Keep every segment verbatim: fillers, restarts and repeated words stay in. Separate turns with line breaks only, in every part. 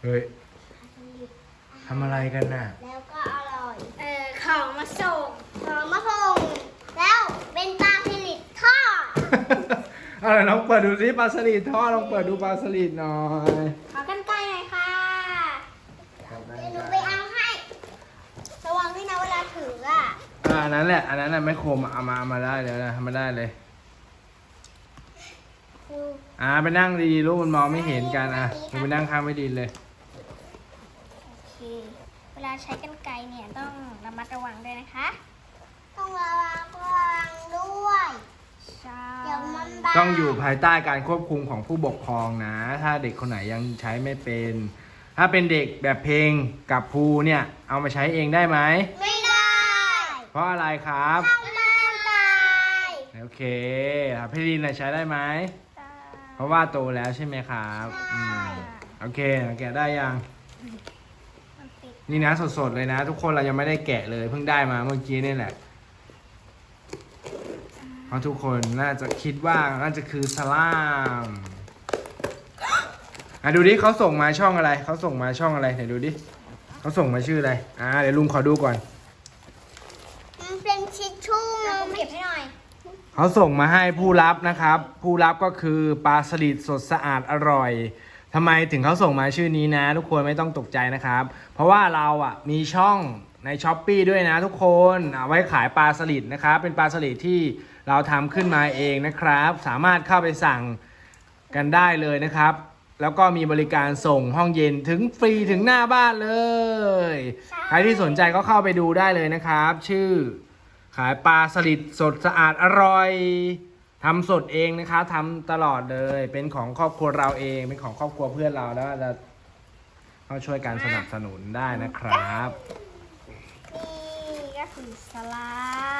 เฮ้ยทำอะไรกันน่ะ
แล้วก็อร่อยเออของมาส่งของมาส่งแล้วเป็นปลาสลิดทอด
อะไรลองเปิดดูสิปลาสลิดทอดลองเปิดดูปลาสลิดหน่อย
ขอกันไกลหน่อยค่ะเดี๋ยวหนูไปเอาให้ระวังด้วยนะเวลาถืออ่ะ
อ่าอันนั้นแหละอันนั้นน่ะไม่คมเอามาเอามาได้เลยนะทำมาได้เลยอ่าไปนั่งดีๆลูกมันมองไม่เห็นกันอ่ะคุณไปนั่งข้างไม่ดีเลย
โอเคเวลาใช้กันไกรเนี่ยต้องระมัดระวังด้วยนะคะต้องระวังระวังด้วยใช่เดี๋ยวมันบาด
ต้องอยู่ภายใต้การควบคุมของผู้ปกครองนะ ถ้าเด็กคนไหนยังใช้ไม่เป็น ถ้าเป็นเด็กแบบเพลงกับภูเนี่ยเอามาใช้เองได้ไหม
ไม่ได้
เพราะอะไรครับ
ทำมันตาย
โอเคพี่ลินน่ะใช้ได้ไหมเพราะว่าโตแล้วใช่ไหมครับอืมโอเคแกะได้ยัง
มันติด
นี่นะสดๆเลยนะ ทุกคนเรายังไม่ได้แกะเลยเพิ่งได้มาเมื่อกี้นี่แหละเพราะทุกคนน่าจะคิดว่าน่าจะคือสลามอ่ะดูดิเขาส่งมาช่องอะไรเขาส่งมาช่องอะไรไหนดูดิเขาส่งมาชื่ออะไรอ่าเดี๋ยวลุงขอดูก่อน
มันเป็นชิชชู่นะผมเก็บให้หน่อย
เขาส่งมาให้ผู้รับนะครับ ผู้รับก็คือปลาสลิดสดสะอาดอร่อยทำไมถึงเขาส่งมาชื่อนี้นะ ทุกคนไม่ต้องตกใจนะครับ เพราะว่าเราอ่ะมีช่องใน ช้อปปี้ ด้วยนะทุกคนเอาไว้ขายปลาสลิดนะครับเป็นปลาสลิดที่เราทำขึ้นมาเองนะครับ สามารถเข้าไปสั่งกันได้เลยนะครับ แล้วก็มีบริการส่งห้องเย็นถึงฟรีถึงหน้าบ้านเลยใครที่สนใจก็เข้าไปดูได้เลยนะครับ ชื่อขายปลาสลิดสดสะอาดอร่อยทำสดเองนะคะทำตลอดเลยเป็นของครอบครัวเราเองเป็นของครอบครัวเพื่อนเราแล้วจะเขาช่วยการสนับสนุนได้นะครับ
นี่ก็คือสลาม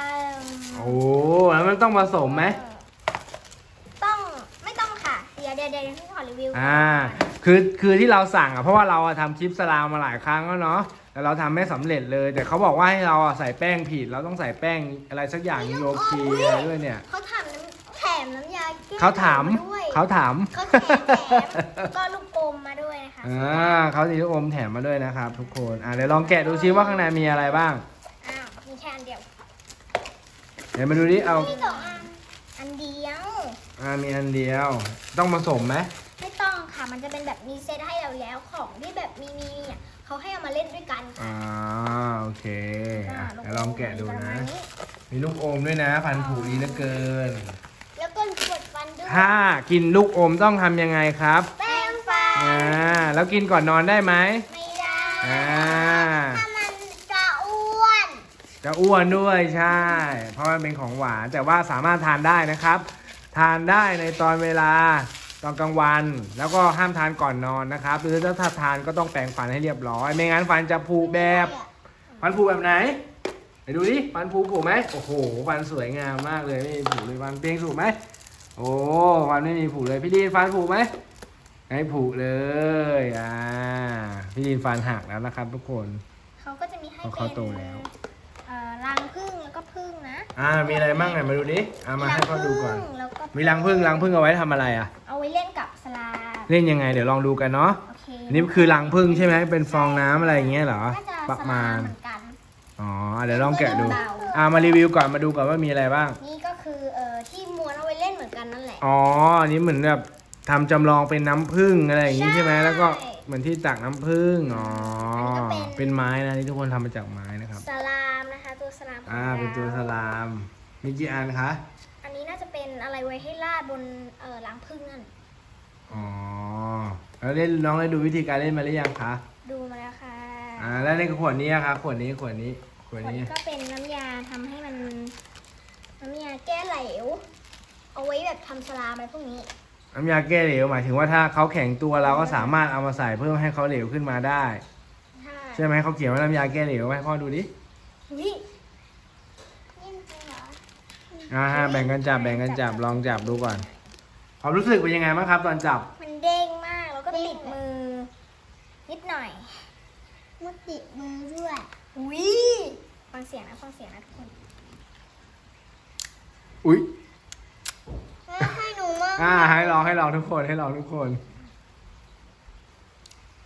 โอ้แล้วมันต้องผสมไหม
ต้องไม่ต้องค่ะเดี๋ยวเดี๋ยวเดี๋ยวพี่ขอรีวิวก่น
อ่าคือคือที่เราสั่งอ่ะเพราะว่าเราอะทำคลิปสลามมาหลายครั้งแล้วเนาะแต่เราทำไม่สำเร็จเลยแต่เขาบอกว่าให้เราอะใส่แป้งผิดเราต้องใส่แป้งอะไรสักอย่างโยคีอะไรด้วยเนี่ย
เขาถามน้ำแถมน้ำยาแก้
เขาถาม
ด้วย
เขาถาม
เขาแถมแถมก็ลูกอมมาด้วยนะคะ
อ่าเขาสีลูกอมแถมมาด้วยนะครับทุกคนอ่าเดี๋ยวลองแกะดูซิว่าข้างในมีอะไรบ้าง
อ้าวมีแค่อันเดียว
เดี๋ยวมาดูดิเอา
มีสองอันอันเดียว
อ่ามีอันเดียว ต้องผสมไหม
ไม่ต้องค่ะมันจะเป็นแบบมีเซตให้เราแล้วของที่แบบมีมีเนี่ยเขาให้เอามาเล่นด้วยกันค่ะ
อ่าโอเคอ่ะ
า
เดี๋ยวลองแกะดู
ปร
นะ
มาณ
มีลูกอมด้วยนะพันธุ์ผูดีเหลือเกิน
แล้วก็กดฟันด้วย
ถ้ากินลูกอมต้องทำยังไงครับ
แป้งฟัน
อ่าแล้วกินก่อนนอนได้ไหม
ไม่ได้
อ่า
ถ้ามันจะอ้วน
จะอ้วนด้วยใช่ เพราะมันเป็นของหวานแต่ว่าสามารถทานได้นะครับ ทานได้ในตอนเวลาตอนกลางวัน แล้วก็ห้ามทานก่อนนอนนะครับหรือถ้าทานก็ต้องแปรงฟันให้เรียบร้อยไม่งั้นฟันจะผุแบบฟันผุแบบไหนไปดูดิฟันผุผุไหมโอ้โหฟันสวยงามมากเลยไม่มีผุเลยฟันเปียงสูบไหมโอ้ฟันไม่มีผุเลยพี่ดีนฟันผุไหมไม่ผุเลยอ่าพี่ดีนฟันหักแล้วนะครับทุกคน
เขาก็จะมีให้
เพราะ
เป็
เขา
น
โตแล้ว
เอ่อรังผึ้งแล้วก็ผึ้งนะ
อ่ามีอะไรบ้างไหนมาดูดิเอามาให้เขาดูก่อน
แล้วก็
มีรังผึ้งรังผึ้งเอาไว้ทำอะไรอ่ะ
เอาไว้เล่นกับสลาม
เล่นยังไงเดี๋ยวลองดูกันเนาะ
โอเค
อันนี้คือรังผึ้งใช่ไหมเป็นฟองน้ำอะไรอย่างเงี้ยเหรอ
น่าจะ
ประ
ส
มา
ลาม
ณ
เหมือนกัน
อ๋อเดี๋ยวลองแกะดู
เบา
อ่ามารีวิวก่อนมาดูก่อนว่ามีอะไรบ้าง
นี่ก็คือเอ่อที่ม้วนเอาไว้เล่นเหมือนกันนั่นแหละ
อ๋ออันนี้เหมือนแบบทำจำลองเป็นน้ำผึ้งอะไรอย่างงี้ใช่ไหม
ใช่
แล้วก็เหมือนที่ตักน้ำผึ้งอ๋ออน
นี้ก็เป็น
เป็นไม้นะนี่ทุกคนทำมาจากไม้นะครับ
สลามนะคะตัวสลามของ
อ่าเป็นตัวส
รา
ลามมีกี่อันคะ
อันนี้น่าจะเป็นอะไรไว้ให้ลาดบนเอ่อรังผึ้งนั่น
อ๋อแล้วเล่นน้องได้ดูวิธีการเล่นมาหรือยังคะ
ดูมาแล้วค่ะ
อ่าแล้วในขวดนี้อะคะขวดนี้ขวดนี้ขวด
ผล
นี้
ก็เป็นน้ำยาทำให้มันน้ำยาแก้เหลว เอาไว้แบบทำสลามอะไรพวกนี้
น้ำยาแก้เหลวหมายถึงว่าถ้าเขาแข็งตัวเราก็สามารถเอามาใส่เพิ่มให้เขาเหลวขึ้นมาได้
ใช่
ใช่ไหมเขาเขียนว่าน้ำยาแก้เหลวให้พ่อดูดิ
วินี่จริงเหรอ
อ่าแบ่งกันจับแบ่งกันจับลองจับดูก่อนความรู้สึกเป็นยังไงบ้างครับ ตอนจับ
มันเด้งมากแล้วก็ติดมือ นิดหน่อยมันติดมือด้วยวิฟังเสียงนะฟังเสียงนะทุกคน
อุ๊ย
ให้หนูมาก
อ่าให้ลองให้ลองทุกคนให้ลองทุกคน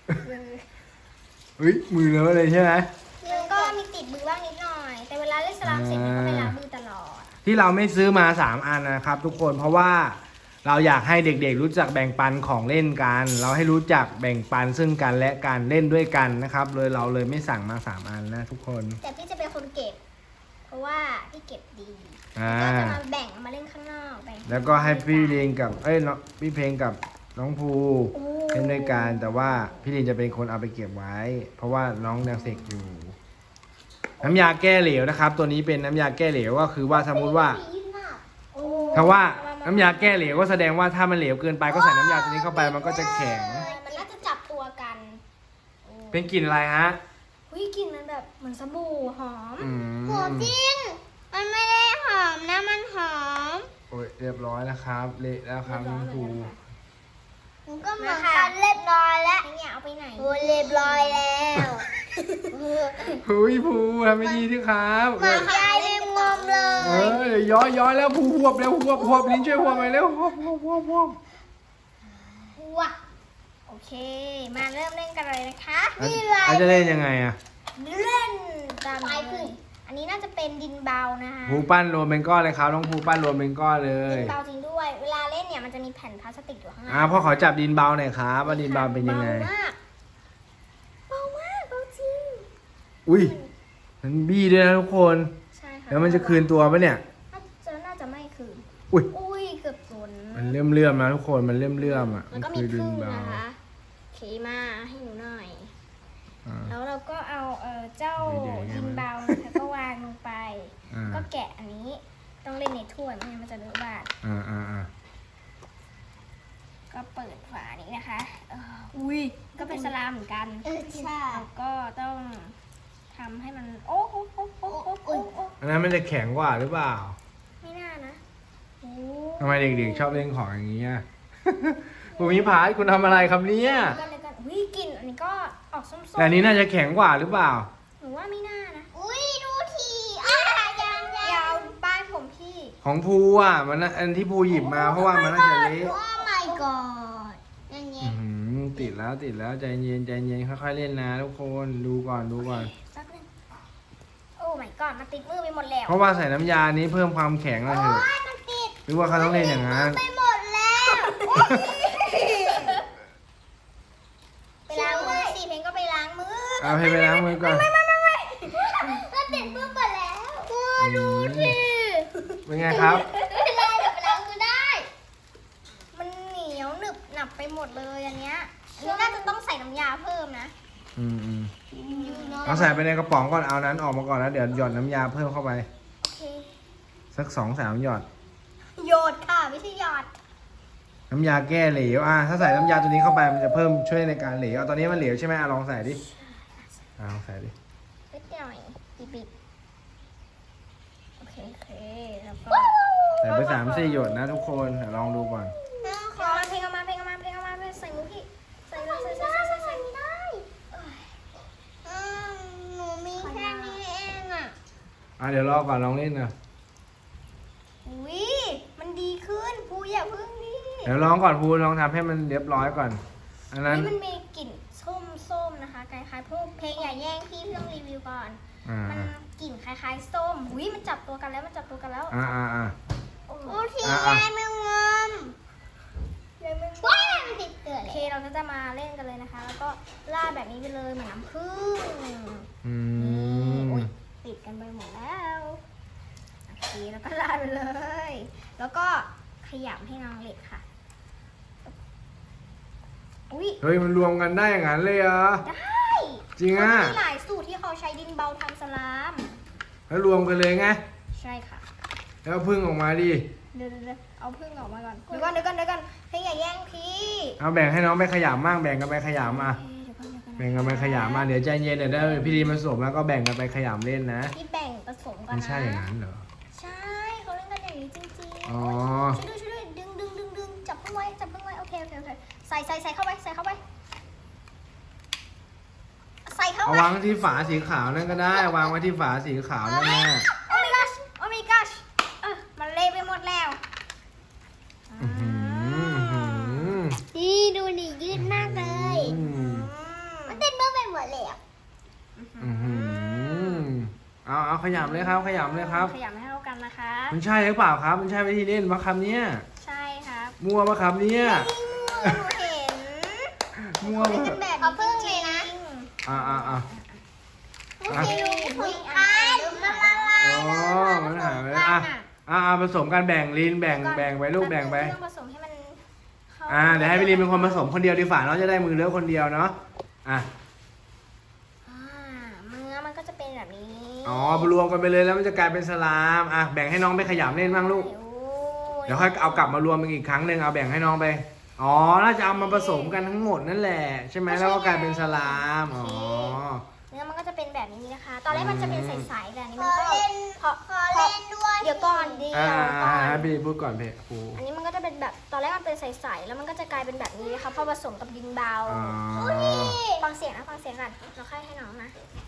เฮ้ยมือเลอะเลยใช่ไหม
มันก็มีติดมือบ้างนิดหน่อย แต่เวลาเล่นสลามเสร็จเนี่ยก็ไปล้างมือตลอด
ที่เราไม่ซื้อมาสามอันนะครับ ทุกคนเพราะว่าเราอยากให้เด็กๆรู้จักแบ่งปันของเล่นกัน เราให้รู้จักแบ่งปันซึ่งกันและกันเล่นด้วยกันนะครับเลยเราเลยไม่สั่งมาสามอันนะทุกคน
แต่พี่จะเป็นคนเก็บ เพราะว่าพี่เก็บดี
อ่า
ก็จะมาแบ่งเอามาเล่นข้างนอกแบ่ง
แล้วก็ให้พี่เรียนกับเอ้ยน้องพี่เพลงกับน้องภู
โอ้
เล่นด้วยกันแต่ว่าพี่ลินจะเป็นคนเอาไปเก็บไว้ เพราะว่าน้องยังเสกอยู่ น้ำยาแก้เหลวนะครับ ตัวนี้เป็นน้ำยาแก้เหลวก็คือว่าสมมุติว่า
โอ้
ถ้าว่าน้ำยาแก้เหลวก็แสดงว่าถ้ามันเหลวเกินไปก็ใส่น้ำยาตัวนี้เข้าไปมันก็จะแข็ง
มันน่าจะจับตัวกันโอ้
เป็นกลิ่นอะไรฮะ
เฮ้ยกลิ่นมันแบบเหมือนสบู่หอม
อืม
หอมจริง มันไม่ได้หอมนะมันหอม
โอ้ยเรียบร้อยแล้วครับ เละแล้วครับน้องภู
มันก็เหมือนกันเรียบร้อยแล้วเนี่ยเอาไปไหนโอ้เรียบร้อยแล้ว
เฮ้ยภูทำไม่ดีที่ครับ
มายายลืมงอมเล
เอย อเดี๋ยวย้อยย้อยแล้วภูหวบแล้วหวบหวบลิ้นช่วยหวบหน่อยเร็วหวบหวบหวบหวบ
ว้าโอเค มาเริ่มเล่นกันเลยนะคะ
แล้วจะเล่นยังไงอะ
เล่นตามเลยอันนี้น่าจะเป็นดินเบานะคะ
ภูปั้นรวมเป็นก้อนเลยครับน้องภูปั้นรวมเป็นก้อนเล
ดิ
ย
นเบาจริงด้วย เวลาเล่นเนี่ยมันจะมีแผ่นพลาสติกอยู่ข้างใน
อ่าพ่อขอจับดินเบาหน่อยครับว่าดินเบาเป็นยังไง
เบามากเบามากเบาจริง
อุ้ยมันบี้ด้วยนะทุกคน
ใช่ค่ะ
แล้วมันจะคืนตัวปะเนี่ย
น่าจะน่าจะไม่คืน
อุ้ย
อุ้ยเกือบสน
มันเลื่อมเลื่อมๆนะทุกคนมันเลื่อมเลื่อมๆอ่ะ
แล้
มั
วน ก็มี
คือดิ
พึ่
น
ง
เบา
นะคะโอเคมาให้หนูหน่อย
อ่า
แล้วเราก็เอาเออเจ้า
ไม่ได้ไง
ดินเบานะคะก็วางลงไป
อ่า
ก็แกะอันนี้ต้องเล่นในถ้วยไม่งั้นมันจะเลอะบาด
อ่าอ่าอ่า
ก็เปิดฝานี้นะคะเอออุ้ยก็เป็นสลามเหมือนกัน
เออใช่
เราก็ต้องทำให้มันโอ้โอ้โอ้โอ้โอ้โอ้โอ้
อันนั้นมันจะแข็งกว่าหรือเปล่า
ไม่น่านะโอ้
ทำไมเด็กๆชอบเล่นของอย่างนี้อ่ะ ภูมิพาสคุณทำอะไรครับเนี่ย
ก็เลยกันอุ้ยกลิ่นอันนี้ก็ออกส้มๆ
แต่อันนี้น่าจะแข็งกว่าหรือเปล่า
หนูว่าไม่น่านะ
อุ้ยดูทีอ่ะยังยั
ยาง วป้ายผมพี่
ของภูอ่ะมันน่ะอันที่ภูหยิบมาเพราะว่ามันน่าจะเละ
โอ้ my god นั่นไง
อื้อหือติดแล้วติดแล้วใจเย็นใจเย็นค่อยๆเล่นนะทุกคนดูก่อนดูก่อน
สักหนึ่งโอ้ my god มันติดมือไปหมดแล้ว
เพราะว่าใส่น้ำยานี้เพิ่มความแข็งเลยเถอะ
โอ้ยมันติด
หรือว่าเขาต้องเล่นอย่างนั้น
ไปหมดแล้ว
ไปล้างมือสิเพลงก็ไปล้างมือ
เอาให้ไปล้างมือก่อน
มันติดมือหมดแล้วโอ้ย
ดูสิเป็นไงครับ
ไม่เป็นไรเดี๋ยวไปล้างมือได้
มันเหนียวหนึบหนับไปหมดเลยอันเนี้ยอันนี้น่าจะต้องใส่น้ำยาเพิ่มนะ
อืมอืม
อยู่เนอะ
เอาใส่ไปในกระป๋องก่อนเอานั้นออกมาก่อนแล้วเดี๋ยวหยอดน้ำยาเพิ่มเข้าไป
โอเค
สักสองสามหยอด
โยดค่ะไม่ใช่หยอด
น้ำยาแก้เหลวอ่ะถ้าใส่น้ำยาตัวนี้เข้าไปมันจะเพิ่มช่วยในการเหลวเอาตอนนี้มันเหลวใช่ไหมอ่ะลองใส่ดิอ่ะลองใส่ดิ
นิดหน่อยบีบโอเคโอเคแล้วก็
ใส่ไปสามสี่หยดนะทุกคนเดี๋ยวลองดูก่อน
เพลงเอามาเพลงเอามาเพลงเอามาเพลงเอามาเพลงใส่มือพี่ใส่เลยใส่ใส่ใส่ใส่ใส่ไม่ได้
อืมหนูมีแค่นี้เองอ่ะ
อ่ะเดี๋ยวรอก่อนลองเล่นนะ
อุ้ยมันดีขึ้นปูอย่าพึ่งดิ
เดี๋ยวลองก่อนพูลองทำให้มันเรียบร้อยก่อนอันนั้น
นี่มันมีกลิ่นส้มส้มๆนะคะคล้ายๆพวกเพลงอย่าแย่งพี่พี่ต้องรีวิวก่อน
อ่า
มันกลิ่นคล้ายๆส้มอุ้ยมันจับตัวกันแล้วมันจับตัวกันแล้ว
อ่าอ่าอ่า
โอ้
ดูที
อ่ะอ่ะ
ยายแมงงอม
เลยไม่
ว้ายมันติดเกลือ
โอ
เล
เค
ย
เราก็จะมาเล่นกันเลยนะคะ แล้วก็ราดแบบนี้ไปเลยเหมือนน้ำผึ้ง
อื
นี่
ม
อุ๊ยติดกันไปหมดแล้วโอเคแล้วก็ราดไปเลย แล้วก็ขยำให้น้องเล็กค่ะอุ้ย
เฮ้ยมันรวมกันได้อย่างนั้นเลยเหรอ
ได้
จริงอ่ะ
มันมีหลายสูตรที่เขาใช้ดินเบาทำสลาม
แล้วรวมกันเลยไง
ใช่ค่ะ
แล้วพึ่งออกมาดิ
เดี๋ยวเดี๋ยวเดี๋ยวเอาพึ่งออกมาก่อนเดี๋ยวก่อนเดี๋ยวก่อนเดี๋ยวก่อนเฮ้ยอย่าแย่งพี่
เอาแบ่งให้น้องไปขยำมั่งแบ่งกันไปขยำอ่ะ
เอ้ยเดี๋ยวก่อนเดี๋ยวก่อน
แบ่งกันไปขยำมาเดี๋ยวใจเย็นเดี๋ยวได้พี่ดีมาสวมแล้วก็แบ่งกันไปขยำเล่นนะ
พี่แบ่งผสมกัน
มัน
นะ
ใช่อย่างนั้นเหรอ
ใช่เขาเล่นกันอย่างนี้จริงๆ
อ๋อ
ช่วยด้วยช่วยด้วยดึงดึงดึงดึงจับเพิ่งไว้จับเพิ่งไว้โอเคโอเคโอเคใส่ใส่ใส่เข้าไปใส่เข้าไปใส่เข้า
เอา
ไป
วางที่ฝาสีขาวนั่นก็ได้วางไว้ที่ฝาสีขาวนั่นแหละ
โอ้ my gosh โอ้ my gosh เออมันเละไปหมดแล้ว
อื้อหือ
นี่ดูดิยืดมากเลย
อืม
อืม
ขยำเลยครับขยำเลยครับ
ขยำให้เข้ากันนะคะ
มันใช่หรือเปล่าครับ มันใช่วิธีเล่นมะครับเนี่ย
ใช่ครับ
มั่วมะครับเนี่ย
หนูเห็น
มั่ว
เล่น
มะ
กันแบบ
เอาพึ่งเลยนะ
อ่าอ่าอ่า
เมื่อกี้ลุงผลคายมันละลาย
อ๋อมันหายไปแล้วอ่ะอ่าอ่าผสมกันแบ่งลินแบ่งแบ่งไปลูกแบ่งไป
ต้องผสมให้มันเข้า
อ่าเดี๋ยวให้พี่ลินเป็นคนผสมคนเดียวดีฝ่าเนาะจะได้มือเลอะคนเดียวเนาะอ่ะ
อ่าเนื้อมันก็จะเป็นแบบนี้
อ๋อรวมกันไปเลยแล้วมันจะกลายเป็นสลามอ่ะแบ่งให้น้องไปขยำเล่นบ้างลูก
โอ้
เดี๋ยวค่อยเอากลับมารวมกันอีกครั้งหนึ่งเอาแบ่งให้น้องไปอ๋อน่าจะเอามาผสมกันทั้งหมดนั่นแหละใช่ไหมแล้วก็กลายเป็นสลามอ๋อ
เนื้อมันก็จะเป็นแบบนี้นะคะ ตอนแรกมันจะเป็นใสๆแต่อันนี้
ข
มัน
อ
ก็
เล่น
พอ
ขอเล่นด้วย
เดี๋ยวก่อนเดียว
อ่า
ก่อน
ให้พี่ลินพูดก่อนเพครู
อันนี้มันก็จะเป็นแบบตอนแรกมันเป็นใสๆแล้วมันก็จะกลายเป็นแบบนี้นะคะพอผสมกับดินเบา
อ๋อ
ฟังเสียงนะฟังเสียงก่อนเราค่อยให้น้องนะ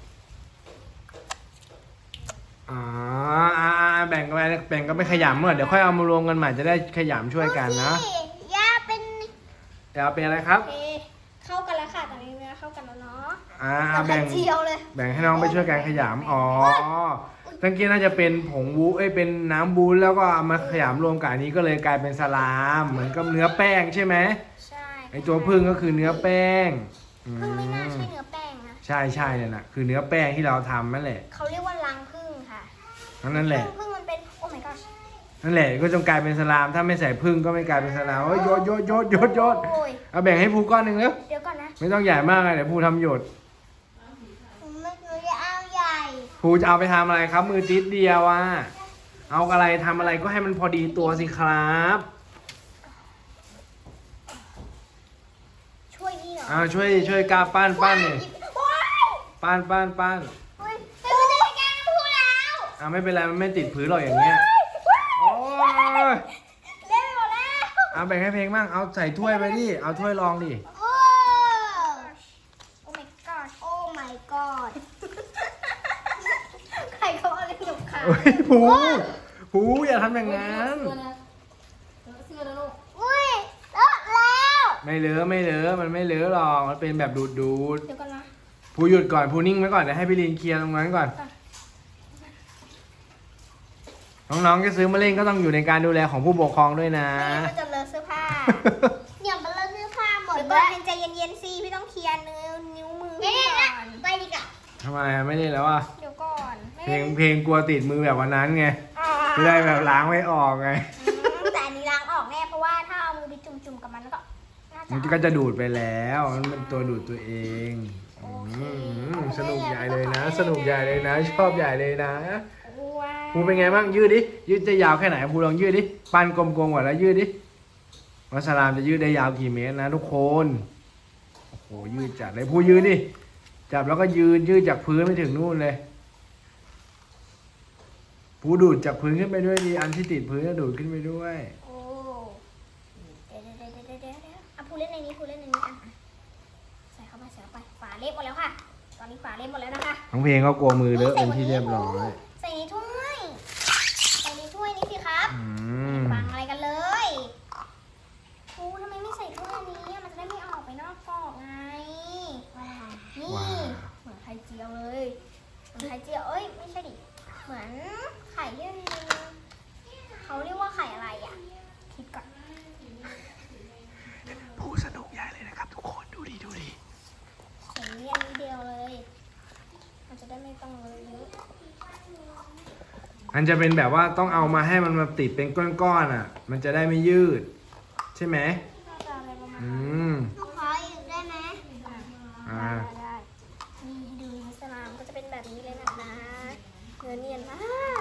อ๋ออ่าอ่าแบ่งกันไปแบ่งกันไปขยำเมื่อเดี๋ยวค่อยเอามารวมกันใหม่จะได้ขยำช่วยกันนะ
ย่าเป็น
เดี๋ยวเอาเป็นอะไรครับ
โอเคเข้ากันแล้วค่ะตอนนี้เนื้อเข้ากันแล้วเนาะ
อ่า
เอา
แบ่ง
ไข่เจียวเลย
แบ่งให้น้องไปช่วยกันขยำอ๋อตั้งกี้น่าจะเป็นผงวูเอ้ยเป็นน้ำบูนแล้วก็เอามาขยำรวมกับอันนี้ก็เลยกลายเป็นสลามเหมือนกับเนื้อแป้งใช่ไหม
ใช่
ไอตัวพึ่งก็คือเนื้อแป้งอื
พึ่งไม่น่าใช่
ม
เนื้อแป้งนะ
ใช่ใช่เนี่ยนะคือเนื้อแป้งที่เราทำนั่นแหละ
เขาเรียกว่ารังพึ่งค่ะ
นั่นแหละ
พึ่งพึ่งมันเป็นโอ้ my gosh
นั่นแหละก็จงกลายเป็นสลามถ้าไม่ใส่พึ่งก็ไม่กลายเป็นสลามเอ้ยโยดโยดโยดโยดโยด
โอ้ย
เอาแบ่งให้ภูก้อนหนึ่งเร็ว
เดี๋ยวก่อนนะ
ไม่ต้องใหญ่มากเลยเดี๋ยวภูทำหยด
หนูไม่หนูจะเอาใหญ่
ภูจะเอาไปทำอะไรครับ มือติดเดียวอ่ะเอาอะไรทำอะไรก็ให้มันพอดีตัวสิครับ
ช่วยนี่เหรอ
อ่าช่วยช่วยกาปั้นปั้นเนี่ย
ว้าย
ปั้นปั้นปั้น
เฮ้ยเป็นผู้จัดการพูดแล้ว
อ่าไม่เป็นไรมันไม่ติดผืนหรอกอย่างเงี้ยโอ้ย
เล่นไปหมดแล้ว
เอาแบ่งให้เพลงบ้างเอาใส่ถ้วยไปดิเอาถ้วยรองดิ
โอ้
โอ้ my gosh
โอ้ my god
ใครเขาเอาเล่นหยกขา
โอ้ยภูภูอย่าทำอย่างนั้น
อุ้ยเลอะแล้ว
ไม่เลอะไม่เลอะมันไม่เลอะหรอกมันเป็นแบบดูดดูด
เดี๋ยวก่อนนะ
ภูหยุดก่อนภูนิ่งไว้ก่อนเดี๋ยวให้พี่ลินเคลียร์ตรงนั้นก่อน น้องๆจะซื้อมาเล่นก็ต้องอยู่ในการดูแลของผู้ปกครองด้วยนะ
ไม่งั้นมันจะเลอะเสื้อผ้า
อย่ามาเลอะเสื้อผ้าหมด
เดี๋ยว
เล
ก่อน
ย
เพนใจเย็นๆสิพี่ต้องเคลียร์นิ้วนิ้วมือ
ไม่
พี่
ได้
ก่
นะ
อน
ไปดีกว่า
ทำไมอะไม่เล่นแล้วอ่ะ
เดี๋ยวก่อนไม่
เพลงเพลงกลัวติดมือแบบวันนั้นไง
อ่า
ไม่ได้แบบล้างไม่ออกไง
อืมแต่อันนี้ล้างออกแน่เพราะว่าถ้าเอามือไปจุ่มๆกับมันแล้วก็น่าจะ
มันก็จะดูดไปแล้วมันเป็นตัวดูดตัวเองอืมสนุกใหญ่เลยนะ สนุกใหญ่เลยนะ ชอบใหญ่เลยนะ
ว้า
ภูเป็นไงบ้างยืดดิยืดจะยาวแค่ไหนภูลองยืดดิปั้นกลมๆก่อนแล้วยืดดิวัสลามจะยืดได้ยาวกี่เมตรนะทุกคนโอ้โหยืดจัดเลยภูยืดดิจับแล้วก็ยืนยืดจากพื้นไปถึงนู่นเลยภูดูดจากพื้นขึ้นไปด้วยดิอันที่ติดพื้นก็ดูดขึ้นไปด้วย
โอ้เดี๋ยวเดี๋ยวเดี๋ยวเดี๋ยวเดี๋ยวเดี๋ยวอ่ะพูเล่นในนี้พูเล่นในนี้อ่ะใส่เข้าไปใส่เข้าไปฝาเละหมดแล้วค่ะ ตอนนี้ฝาเละหมดแล้วนะคะ
น้องเพลงก็กลัวมือเลอะเป็นที่เรียบร้อย
ใส่ในถ้วยใส่ในถ้วยนี้สิครับ
อืม
ฟังอะไรกันเลยครูทำไมไม่ใส่ถ้วยอันนี้อะมันจะได้ไม่ออกไปนอกกรอบไง นี่
ว้าว
เหมือนไข่เจียวเลย เหมือนไข่เจียว เอ้ย ไม่ใช่ดิ เหมือนไข่ที่มันเขาเรียกว่าไข่อะไรอ่ะ คิดก่อน
ภูสนุกใหญ่เลยนะครับทุกคนดูดิดูดิ
ใส่นี้อันนี้เดียวเลย มันจะได้ไม่ต้องเลยเยอะ
อันจะเป็นแบบว่าต้องเอามาให้มันมาติดเป็นก้อนๆอ่ะ มันจะได้ไม่ยืด ใช่ไหม
น่าจะอะไรประมาณ
อื
นั้น
ม
หนูขออีกได้ไหม
อ่า
ได้ได้นี่ให้ดูอิสลามก็จะเป็นแบบนี้เลยนะคะเนื้อเนียนมาก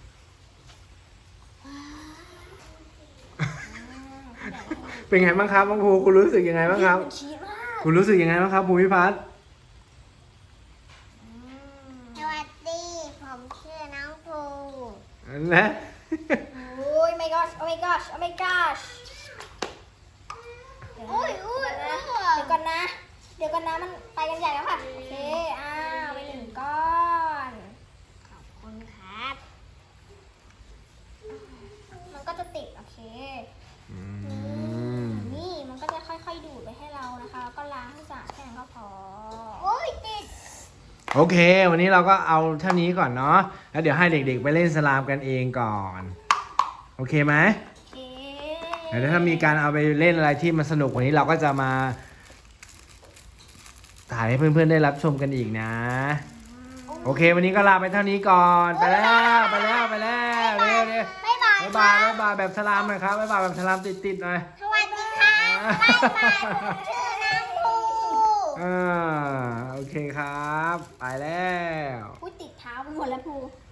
เป็นไงบ้างครับน้องภูคุณรู้สึกยังไงบ้างครับ
มันชีสมาก
คุณรู้สึกยังไงบ้างครับภูมิพัฒน์
อืม
สวัสดี ผมชื่อน้องภู
นะ
โอ้ย my gosh oh my gosh oh my gosh เดี๋ยว
อุ้ยอุ้ย
นะ
อุ้ย
เดี๋ยวก่อนนะ เดี๋ยวก่อนนะ มันไปกันใหญ่แล้วค่ะ โอเค อ้าวไปหนึ่งก้อน
ขอบคุณครับ
มันก็จะติด โอเค
อืม
นี่มันก็จะค่อยๆดูดไปให้เรานะคะ แล้วก็ล้างให้สะอาดแค่นั้นก็พอ
โอ้ยติด
โอเค วันนี้เราก็เอาเท่านี้ก่อนเนาะแล้วเดี๋ยวให้เด็กๆไปเล่นสลามกันเองก่อน โอเคไหม
โอเค
เดี๋ยวถ้ามีการเอาไปเล่นอะไรที่มันสนุกกว่านี้เราก็จะมาถ่ายให้เพื่อนๆได้รับชมกันอีกนะ โอเค วันนี้ก็ลาไปเท่านี้ก่อน ไปแล้วไปแล้วไปแล้วเร็วเร็ว
บ๊ายบาย
บ๊ายบายบ๊ายบายแบบสลามหน่อยครับบ๊ายบายแบบสลามติดๆหน่อย
สวัสดีค่ะบ๊ายบายผมชื่อน้ำพู
อ่าโอเคครับ ไปแล้ว
พูดติดเท้าไปหมดแล้วพู